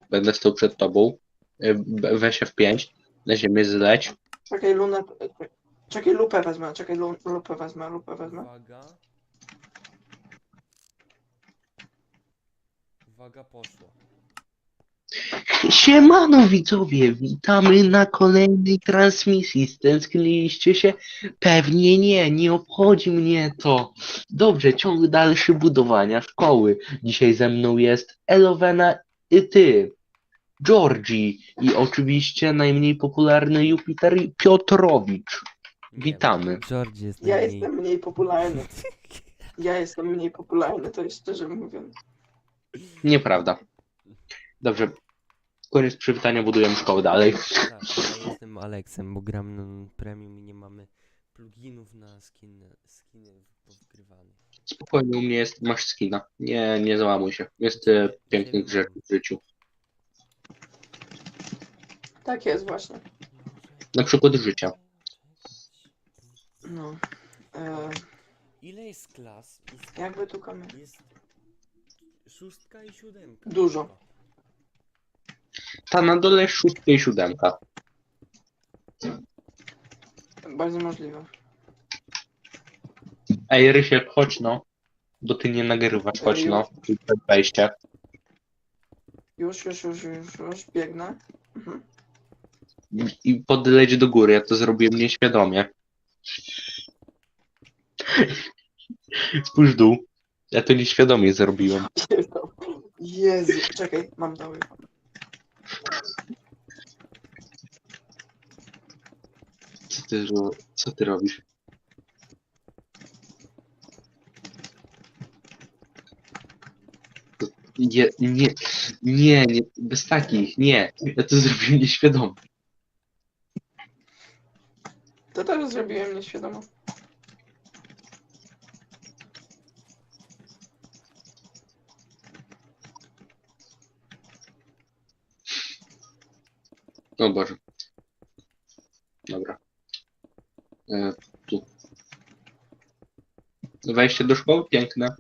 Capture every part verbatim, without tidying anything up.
Będę stał przed tobą. Y, b- Weź F pięć. Na ziemię zleć. Czekaj, lunę... Czekaj, lupę wezmę, czekaj, lu- lupę wezmę, lupę wezmę. Uwaga. Uwaga, poszło. Siemano widzowie, witamy na kolejnej transmisji. Stęskniliście się? Pewnie nie, nie obchodzi mnie to. Dobrze, ciąg dalszy budowania szkoły. Dzisiaj ze mną jest Elowena i ty, Georgie i oczywiście najmniej popularny Jupiter Piotrowicz. Nie, Witamy. George jest Ja najmniej... jestem mniej popularny. Ja jestem mniej popularny, to jest szczerze mówiąc. Nieprawda. Dobrze, koniec przywitania, budujemy szkołę dalej. Tak, ja jestem Aleksem, bo gram na premium i nie mamy pluginów na skin, skiny powgrywane. Spokojnie, u mnie jest, masz skina. Nie, nie załamuj się. Jest e, pięknych rzeczy w życiu. Tak jest właśnie. Na przykład życia. No. E, Ile jest klas? Jest, jakby tu kamień. jest szóstka i siódemka. Dużo. Ta na dole jest szóstka i siódemka. Bardzo możliwe. Ej, Rysiek, chodź no. Bo ty nie nagrywasz, chodź no. Tu przed wejście. Już, już, już, już, już, biegnę. Mhm. I podleć do góry, ja to zrobiłem nieświadomie. Spójrz w dół. Ja to nieświadomie zrobiłem. Jezu, czekaj, mam doły. Co ty, ro- co ty robisz? Nie, nie, nie, nie, bez takich, nie. Ja to zrobiłem nieświadomie. To też zrobiłem nieświadomo. O Boże. Dobra. E, tu. Wejście do szkoły? Piękne.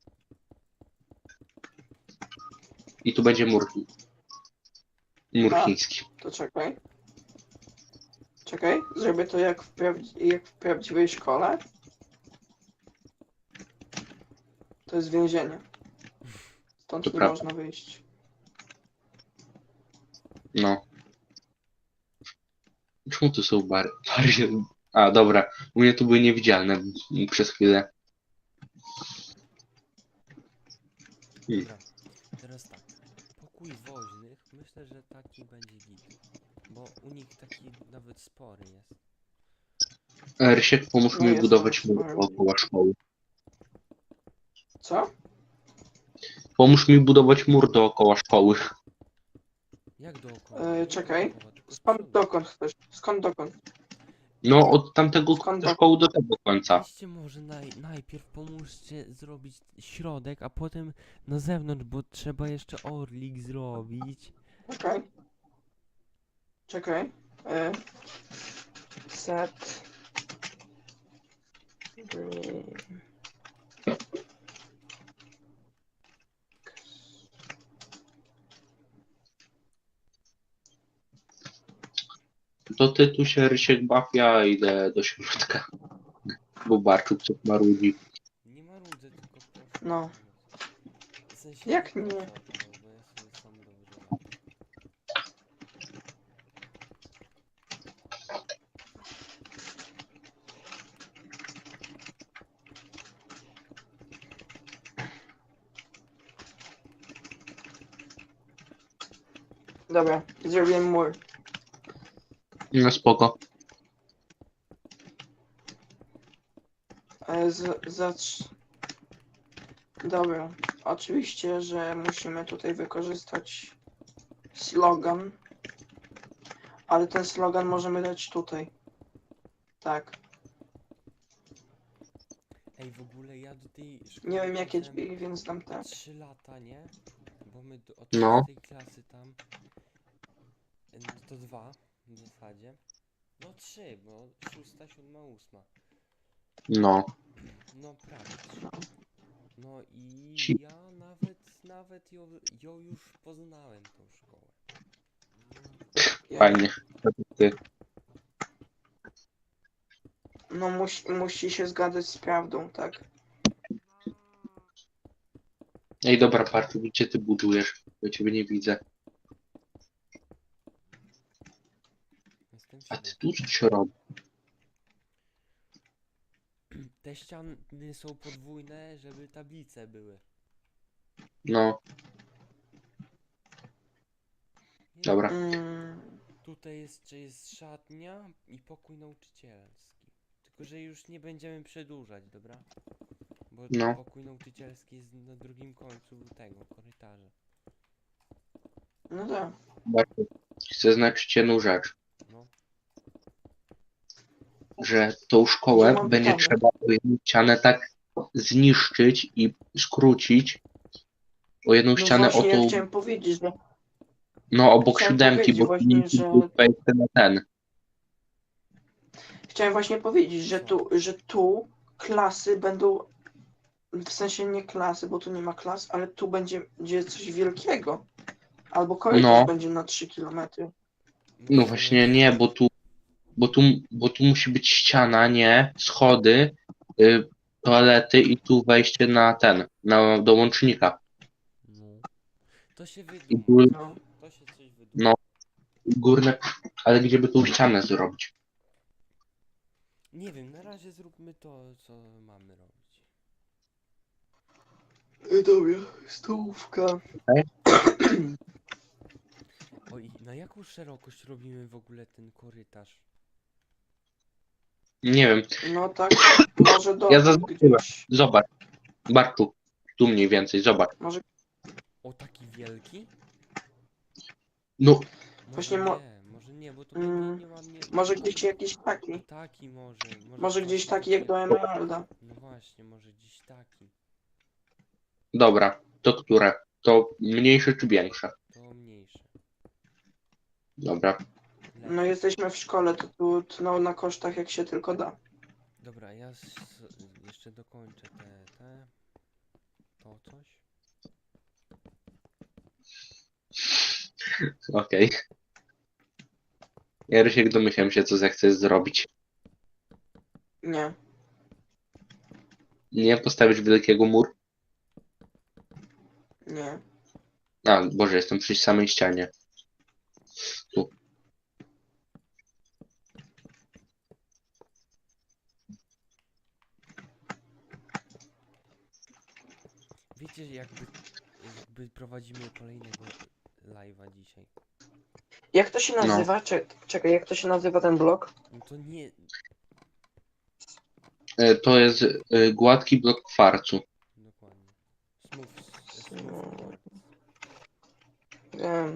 I tu będzie mur. Mur A. chiński. To czekaj. Czekaj, zrobię to jak w, prawdzi- jak w prawdziwej szkole. To jest więzienie. Stąd To nie prawda. można wyjść. No. Czemu tu są bary? bary? A, dobra. U mnie tu były niewidzialne przez chwilę. Hmm. Dobra, teraz tak. Pokój woźnych, myślę, że taki będzie git. Bo u nich taki nawet spory jest. E, Rysiek, pomóż No mi jest budować tam mur spory. dookoła szkoły. Co? Pomóż mi budować mur dookoła szkoły. Jak dookoła? E, Nie czekaj. dookoła, tylko z Skąd przodu. dokąd chcesz? Skąd dokąd? No, od tamtego Skąd szkoły do tego końca. Weźcie może naj, najpierw pomóżcie zrobić środek, a potem na zewnątrz, bo trzeba jeszcze orlik zrobić. Czekaj. Czekaj. E, set. Green. To ty tu się Rysiek baw, ja idę do środka. Bo Barczuk coś marudzi. Nie ma rudy, tylko proszę. No. W sensie Jak nie? nie? Bo ja sobie sam dobrze radzę. Dobra, zrobiłem mur. No spoko. E, z, zacz... Dobra, oczywiście, że musimy tutaj wykorzystać slogan, ale ten slogan możemy dać tutaj. Tak. Ej, w ogóle ja do tej szkoły Nie wiem jakie chodziłem drzwi, więc dam te. trzy lata, nie? Bo my do, od No. tej klasy tam... No to dwa w zasadzie. No trzy, bo szósta, siódma, ósma. No. No prawie trzy. No i Ci- ja nawet, nawet ją, ją już poznałem tą szkołę. fajnie. Ty. No musi, musi się zgadzać z prawdą, tak? Ej, dobra, Bartu, gdzie ty budujesz? Ja ciebie nie widzę. Jestem w A ty środku. tu coś robisz? Te ściany są podwójne, żeby tablice były. No, Jest- dobra. Mm, Tutaj jeszcze jest szatnia i pokój nauczycielski. Tylko, że już nie będziemy przedłużać, dobra? Bo No. pokój nauczycielski jest na drugim końcu tego korytarza. no tak. Bartu, chcę znać jedną rzecz, No, że tą Nie szkołę mam będzie pytania. trzeba o jedną ścianę tak zniszczyć i skrócić o jedną No ścianę o właśnie, ja tą, chciałem powiedzieć, że no obok chciałem siódemki, powiedzieć bo tu właśnie, nie że wejście na ten. chciałem właśnie powiedzieć, że Co? tu, że tu klasy będą, w sensie nie klasy, bo tu nie ma klas, ale tu będzie, będzie coś wielkiego. Albo korytarz No, będzie na trzy kilometry. no w właśnie sumie nie, bo tu, bo tu, bo tu musi być ściana, nie? Schody, y, toalety i tu wejście na ten, na, do łącznika. no. To się I wyduma. gór, No. To się coś wyduma. no, górne, ale gdzie by tą ścianę zrobić? Nie wiem, na razie zróbmy to, co mamy robić. Dobra, stołówka. Okej? Oj, na jaką szerokość robimy w ogóle ten korytarz? Nie wiem, No tak, może do ja zaznaczyłem. gdzieś. Zobacz, Bartu, tu mniej więcej, zobacz. Może, O, taki wielki? No, Może Właśnie mo- nie, może nie, bo to Mm, będzie nieładnie. może gdzieś jakiś taki. Taki może. Może, Może gdzieś właśnie taki jak do takie- Emeralda. No właśnie, może gdzieś taki. dobra, to które? To mniejsze czy większe? To mniejsze. Dobra, Lepiej. No jesteśmy w szkole, to tu tną na kosztach jak się tylko da. Dobra, ja s- jeszcze dokończę te, te. To coś. okej. Ja Rysiek domyślam się, co zechcesz zrobić. Nie. Nie postawić wielkiego muru? Nie. A, Boże, jestem przy samej ścianie. Tu. Wiecie, jakby, jakby prowadzimy kolejnego live'a dzisiaj. Jak to się nazywa? Cze- Czekaj, jak to się nazywa ten blok? No to nie. E, To jest e, gładki blok kwarcu. Dokładnie. Smooth, smooth core. Wiem.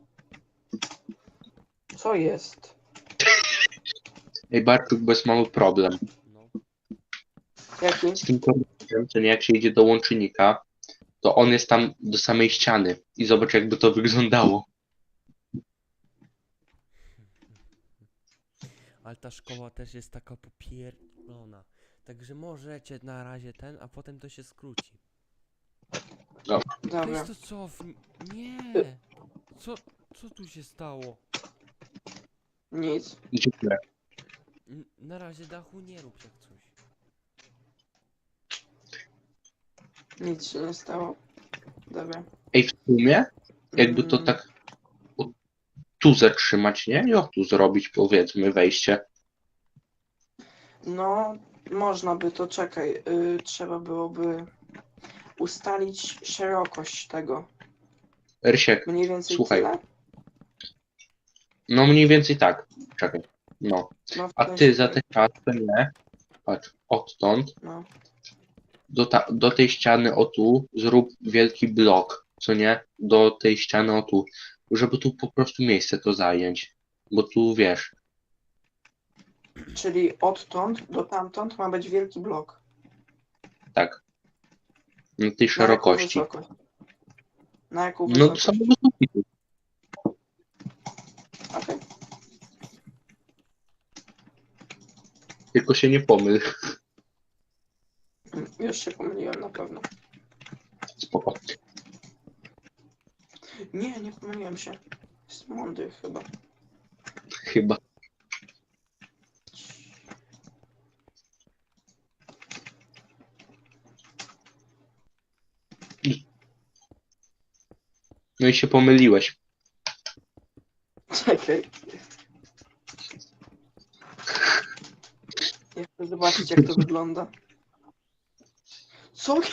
Co jest? Ej, Bartuk, bo jest mały problem. No. Jaki? Z tym korytarzem, to nie jak się idzie do łącznika, to on jest tam do samej ściany. I zobacz, jakby to wyglądało. Ale ta szkoła też jest taka popierdolona. Także możecie na razie ten, a potem to się skróci. Dobra. Weź to cofnij. Nie! Co, co tu się stało? Nic. Dziękuję. N- Na razie dachu nie rób jak coś. Nic się nie stało. Dobra. Ej, w sumie, jakby to Mm, tak o, tu zatrzymać, nie? I o tu zrobić, powiedzmy, wejście. No, można by to, czekaj. Y, trzeba byłoby ustalić szerokość tego. Rysiek, Mniej więcej słuchaj. tyle? No mniej więcej tak. Czekaj. No. No, w A sensie ty za tak, te czasy, nie? Patrz, odtąd no. do, ta, do tej ściany o tu zrób wielki blok, co nie? Do tej ściany o tu, żeby tu po prostu miejsce to zająć. Bo tu wiesz, Czyli odtąd do tamtąd ma być wielki blok. tak. Na tej Na jaką szerokości. wysokość? Na jaką No to wysokość? samo wysoki tu. Okej. Tylko się nie pomyl. Mm, Już się pomyliłem na pewno. Spoko. Nie, nie pomyliłem się. Jest mądry chyba. Chyba. No i się pomyliłeś. Czekaj. Ja chcę zobaczyć, jak to wygląda. Co?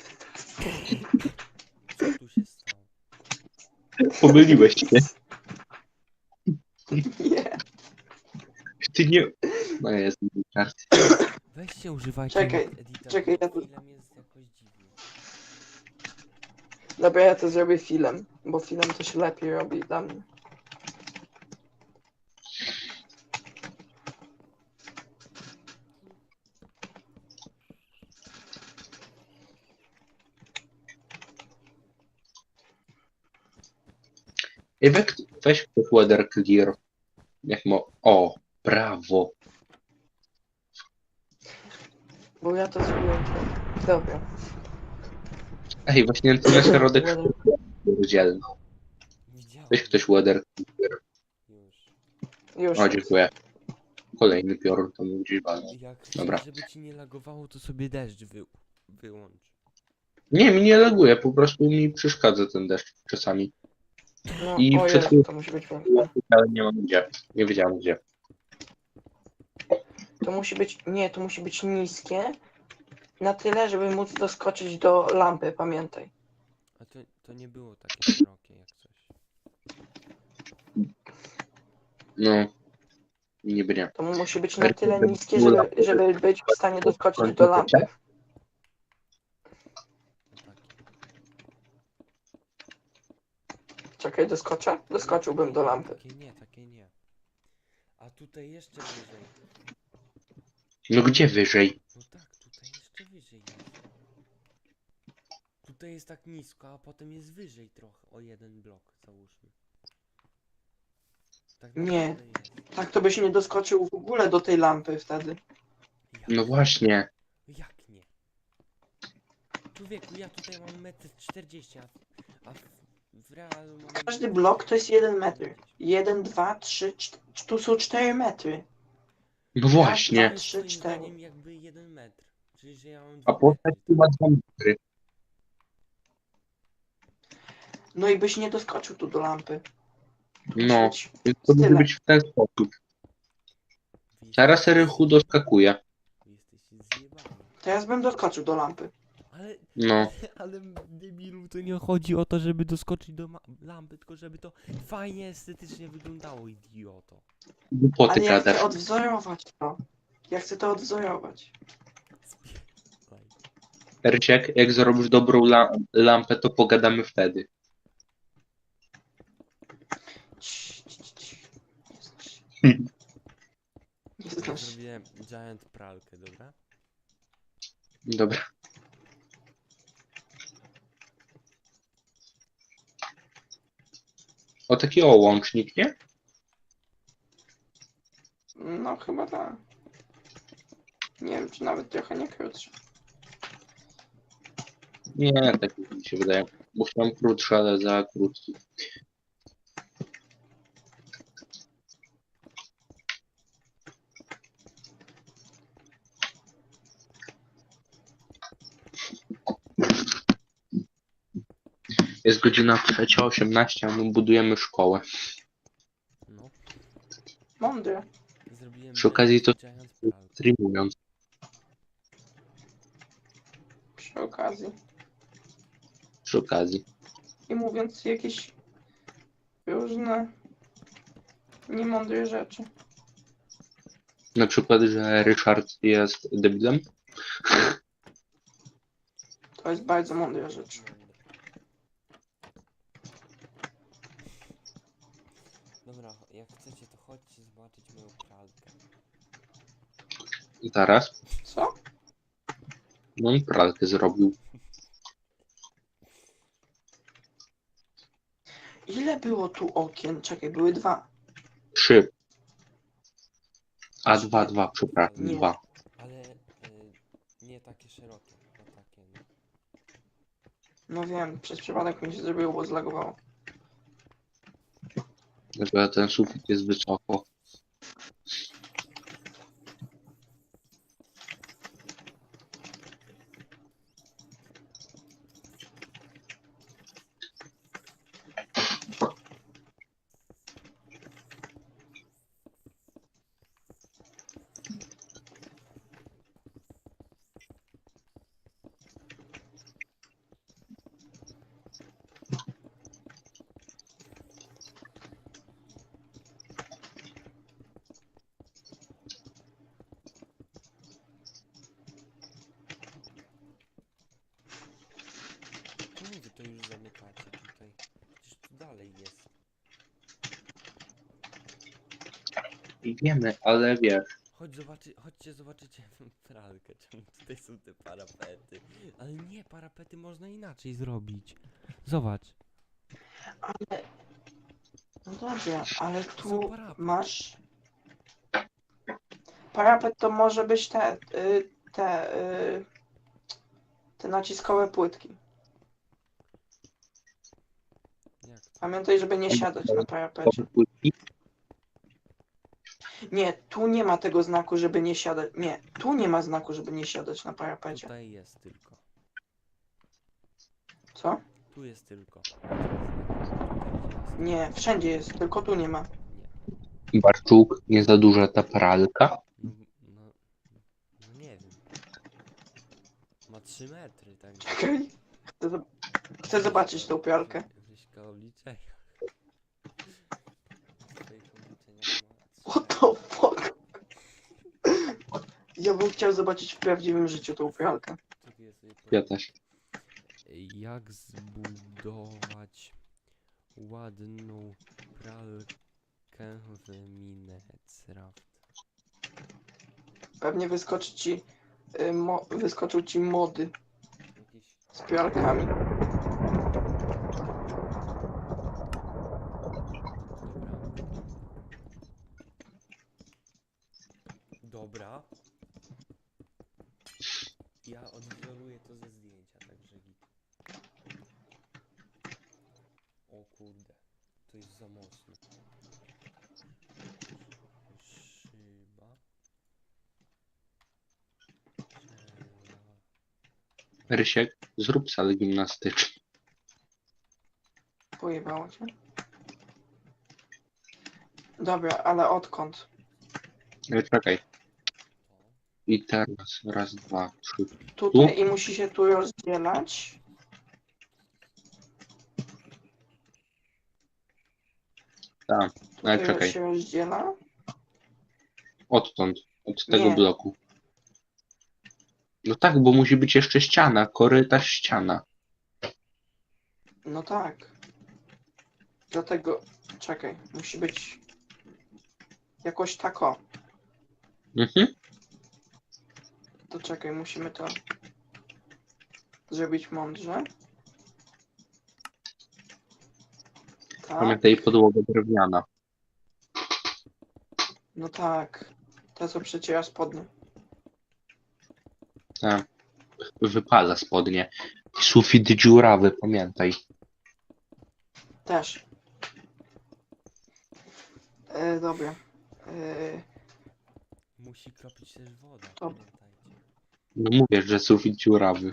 Co tu się stało? Pomyliłeś się. Nie. Ty nie... No jest, karty. Weźcie, używajcie Czekaj, mod editor, czekaj, bo ja tu- film jest jakoś dziwny. Dobra, ja to zrobię filmem, bo film to się lepiej robi dla mnie. Ej, weź, weź ktoś weather clear. Jak mo... O, brawo. Bo ja to zrobiłem. Dobra. Ej, właśnie ten środek Weather- rozdzielny. Widziałem. Weź ktoś weather. Już. Już. O, dziękuję. Kolejny piorun to mu gdzieś walnął. Jak chcesz, Dobra. żeby ci nie lagowało, to sobie deszcz wy... wyłącz. Nie, mi nie laguje, po prostu mi przeszkadza ten deszcz czasami. No, I o przed Jezu, chwilą- to musi być piękne. Ale nie mam gdzie. Nie wiedziałem gdzie. To musi być, nie, to musi być niskie. Na tyle, żeby móc doskoczyć do lampy, pamiętaj. A to, to nie było takie szerokie jak coś. No. Niby nie. To musi być na tyle niskie, żeby, żeby być w stanie doskoczyć do lampy. No takie. Czekaj, doskoczę? Doskoczyłbym do lampy. Takie nie, takie nie. A tutaj jeszcze wyżej. No gdzie wyżej? No tak, tutaj jeszcze wyżej jest. Tutaj jest tak nisko, a potem jest wyżej trochę, o jeden blok załóżmy. Tak Nie. naprawdę jest. Tak to byś nie doskoczył w ogóle do tej lampy wtedy. Jak? No właśnie. Jak nie? Człowieku, ja tutaj mam metr czterdzieści, a, a w, w realu mam... Każdy blok to jest jeden metr. Jeden, dwa, trzy, cztery. Tu są cztery metry. No To właśnie. jest Trzy, moim cztery. zdaniem jakby jeden metr. Czyli, że ja mam A dwa postać metry. chyba dwa metry. No i byś nie doskoczył tu do lampy. Musi No. być Więc to może Tyle. być w ten sposób. Wy Teraz jesteście- Rychu doskakuje. wy jesteście zjebani. Teraz bym doskoczył do lampy. Ale, No. ale debilu, to nie chodzi o to, żeby doskoczyć do ma- lampy, tylko żeby to fajnie, estetycznie wyglądało, idioto. Głupoty Ale ja chcę gadasz. odwzorować to. Ja chcę to odwzorować. Spierdalaj. Rysiek, jak zrobisz dobrą la lampę, to pogadamy wtedy. Cii, cii, cii. Nie znasz się. Nie Ja znasz się. zrobiłem giant pralkę, dobra? Dobra. O taki o łącznik, nie? No chyba tak. Nie wiem, czy nawet trochę nie krótszy. Nie, tak mi się wydaje. Bo chciałem krótszy, ale za krótki. Jest godzina trzecia osiemnaście, a my budujemy szkołę. No, Mądry. zrobiłem Przy okazji to- giant pralkę. Streamując. Przy okazji. Przy okazji. I mówiąc jakieś różne niemądre rzeczy. Na przykład, że Ryszard jest debilem. To jest bardzo mądra rzecz. Dobra, jak chcecie, to chodźcie zobaczyć moją pralkę. Zaraz. Co? No on pralkę zrobił. Ile było tu okien? Czekaj, były dwa. Trzy. A dwa, dwa, przepraszam, Nie. dwa. Ale y, nie takie szerokie, a takie no. No wiem, przez przypadek mi się zrobiło, bo zlagowało. Że ten sufit jest wysoko. wy to już zamykacie tutaj? Przecież tu dalej jest. I wiemy, ale wiesz, Chodź zobaczy, chodźcie zobaczycie pralkę, czemu tutaj są te parapety. Ale nie, parapety można inaczej zrobić. Zobacz, Ale... No dobrze, ale są tu parapet. masz... Parapet to może być te... Y, te... Y, te naciskowe płytki. Jak to? Pamiętaj, żeby nie siadać na parapecie. płytki, Nie, tu nie ma tego znaku, żeby nie siadać. Nie, tu nie ma znaku, żeby nie siadać na parapecie. Tutaj jest tylko. Co? Tu jest tylko. Tutaj jest. Nie, wszędzie jest, tylko tu nie ma. Nie. Barczuk, nie za duża ta pralka. No, no, no nie wiem. Ma trzy metry, także... Czekaj. Chcę, zob- chcę zobaczyć tą pralkę. Wyśka obliczenia. W twoich obliczeniach ma trzy What the fuck? Ja bym chciał zobaczyć w prawdziwym życiu tą pralkę. Czekaj, ja sobie Ja powiem. też. Jak zbudować ładną pralkę w Minecraft? Pewnie wyskoczy ci, y, mo- wyskoczą ci mody Jakiś... z pralkami. Dobra. Dobra. Ja odwzoruję to ze zdjęcia, także git. O kurde, to jest za mocno. Szyba. Przela... Rysiek, zrób salę gimnastyczną. Pojebało cię. Dobra, ale odkąd? E, Czekaj. To. I teraz raz, dwa, trzy. Tutaj i musi się tu rozdzielać. Tak, ale Tutaj czekaj. się rozdziela. Odtąd, od tego Nie. bloku. No tak, bo musi być jeszcze ściana, korytarz, ściana. No tak. Dlatego, czekaj, musi być jakoś tak o. Mhm. To czekaj, musimy to zrobić mądrze. Tak, Pamiętaj, podłoga drewniana. no tak. To co przeciera spodnie. Tak. Wypala spodnie. Sufit dziurawy, pamiętaj. Też. E, dobra. E, Musi kropić też woda, To- pamiętajcie. No mówię, że sufit dziurawy.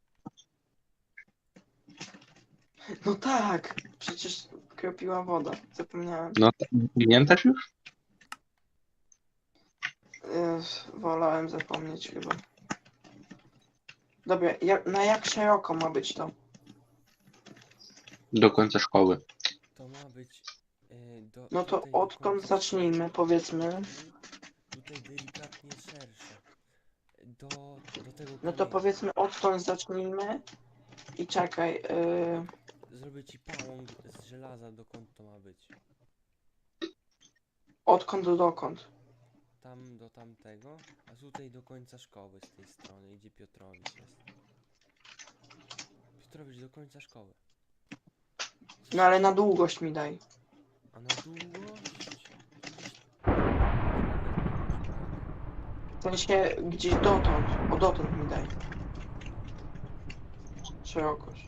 no tak, przecież kropiła woda. Zapomniałem. No, t- pamiętasz już? E, wolałem zapomnieć chyba. Dobra, jak, na jak szeroko ma być to? Do końca szkoły. To ma być... e, do, No to tutaj do odkąd końca zacznijmy, szkoły. powiedzmy. Tutaj delikatnie szersze. Do, do tego No to kamienia. powiedzmy odtąd zacznijmy. I czekaj. Yy, Zrobię ci pałąk z żelaza, dokąd to ma być. odkąd do dokąd? Tam do tamtego, a tutaj do końca szkoły z tej strony, gdzie Piotrowicz jest. Piotrowicz do końca szkoły. No ale na długość mi daj. A na długość... W sensie gdzieś dotąd. O dotąd mi daj. Szerokość.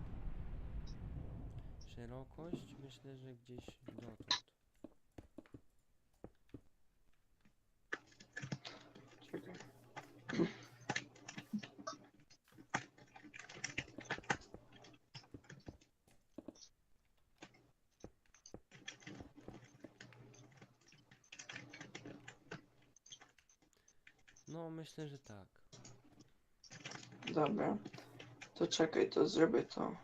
Szerokość myślę, że gdzieś dotąd. Czekaj. No myślę, że tak. Dobra. To czekaj, to zrobię to.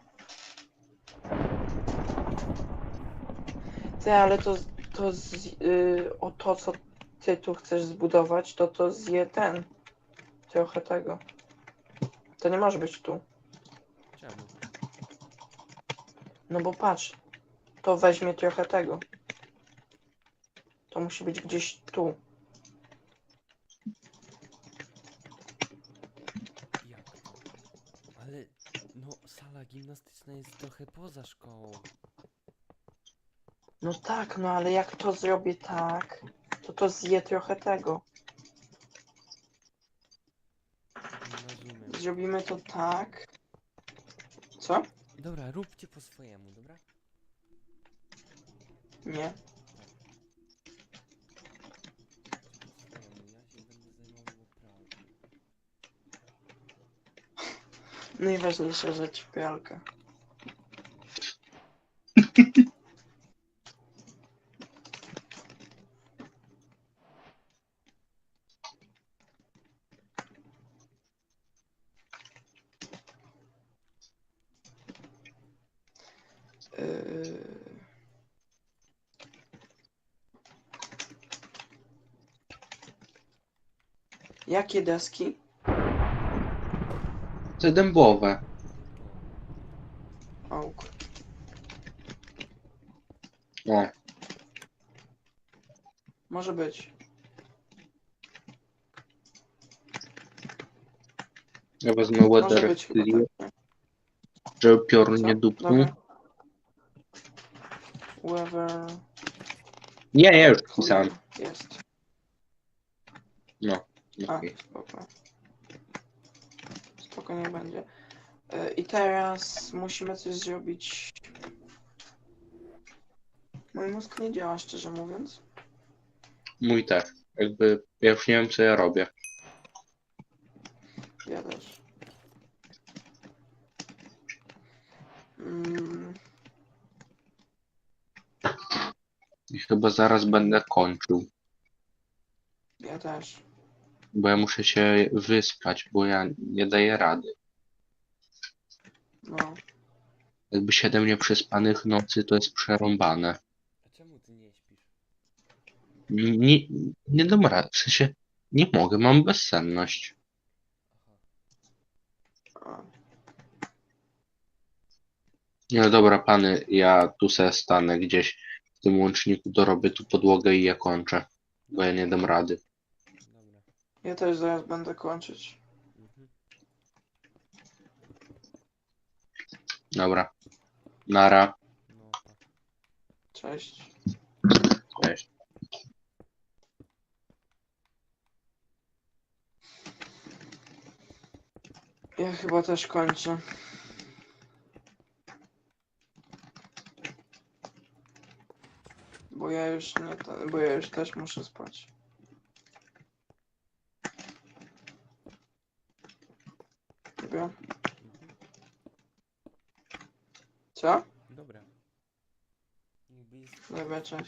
Ty, ale to, to z, yy, o to, co ty tu chcesz zbudować, to to zje ten. Trochę tego. To nie może być tu. Czemu? No bo patrz, to weźmie trochę tego. To musi być gdzieś tu. Jak to? Ale no sala gimnastyczna jest trochę poza szkołą. No tak, no ale jak to zrobię tak, to to zje trochę tego. Nie rozumiem. Zrobimy to tak. Co? Dobra, róbcie po swojemu, dobra? Nie. Po swojemu, ja się będę zajmował pralką. Najważniejsza rzecz, pralka. Yy... Jakie deski? Te dębowe. Oak. O, Może być. ja wezmę Może weather być chyba clear, tak. żeby piorun Co? nie dupnął. Dobra. Weather. Nie, nie, już pisałem. Jest. No, A, okej. spoko. Spoko, nie będzie. E, I teraz musimy coś zrobić. Mój mózg nie działa, szczerze mówiąc. Mój też. Jakby, ja już nie wiem, co ja robię. Ja też. Mm, I chyba zaraz będę kończył. ja też. Bo ja muszę się wyspać, bo ja nie daję rady. No. Jakby siedem nieprzespanych nocy to jest przerąbane. A czemu ty nie śpisz? Nie, nie dam rady, w sensie nie mogę, mam bezsenność. Aha. A. No dobra, pany, ja tu se stanę gdzieś w tym łączniku, dorobię tu podłogę i ja kończę, bo ja nie dam rady. Dobra. Ja też zaraz będę kończyć. Mhm. Dobra, nara, No tak. Cześć. cześć. Ja chyba też kończę. Bo ja już nie, bo ja już też muszę spać. Dobra. Mhm. Co? Dobra. Jakby jest Dobra, cześć.